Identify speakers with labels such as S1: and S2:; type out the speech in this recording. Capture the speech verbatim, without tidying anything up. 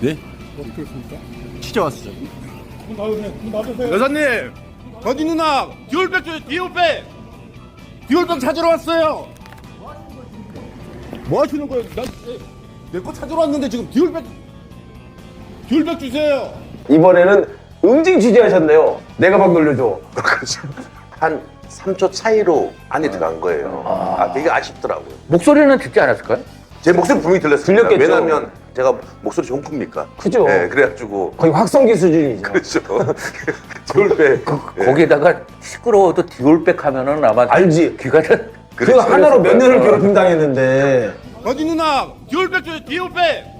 S1: 네?
S2: 어떻게 했습니까?
S1: 진짜 왔어요.
S2: 문 닫으세요. 문 닫으세요.
S1: 여사님, 더디 누나 디올백 줘, 디올백. 디올백 찾으러 왔어요. 뭐 하시는 거예요? 나내 거 찾으러 왔는데 지금 디올백 디올백 주세요.
S3: 이번에는 응징 취재하셨네요. 내가 막 놀려줘.
S4: 한 삼 초 차이로 안에 들어간 거예요. 아, 되게 아쉽더라고요.
S5: 목소리는 듣지 않았을까요?
S4: 제 목소리 분명히 들렸습니다.
S3: 들렸겠죠.
S4: 왜냐면 제가 목소리 좋은 큽니까?
S3: 그죠?
S4: 네, 그래가지고.
S3: 거의 확성기 수준이죠.
S4: 그렇죠. 디올백. 예.
S5: 거기다가 시끄러워도 디올백 하면은 아마
S3: 알지?
S5: 귀가 다
S3: 그 하나로 몇 년을 괴롭힘 당했는데
S1: 더디 누나 디올백 줘, 디올백.